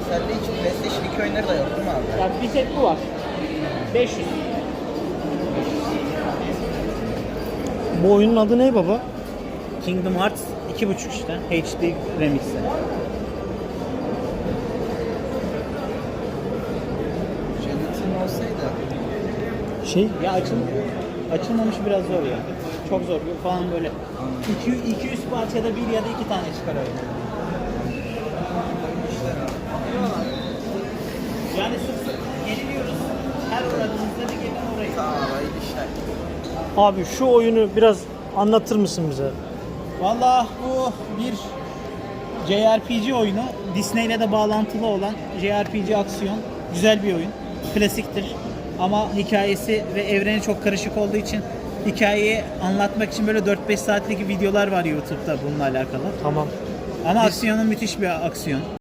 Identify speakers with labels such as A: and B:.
A: Sende hiç PlayStation 2 oyunları da yok değil mi abi?
B: Yani bir tek bu var. 500.
C: Bu oyunun adı ne baba?
B: Kingdom Hearts 2.5 işte. HD Remix'i.
A: Gelatin olsaydı.
C: Şey,
B: Ya açılmamış biraz zor ya. Çok zor. Falan böyle 200 parçada bir ya da iki tane çıkar öyle. Yani sık sık yeniliyoruz. Her uğradığımızda bir gelin orayı.
A: Tamam hayırlı işler.
C: abi şu oyunu biraz anlatır mısın bize?
B: Vallahi bu bir JRPG oyunu. Disney ile de bağlantılı olan JRPG aksiyon. Güzel bir oyun. Klasiktir. Ama hikayesi ve evreni çok karışık olduğu için hikayeyi anlatmak için böyle 4-5 saatlik videolar var YouTube'da bununla alakalı.
C: Tamam.
B: Ama aksiyonu müthiş bir aksiyon.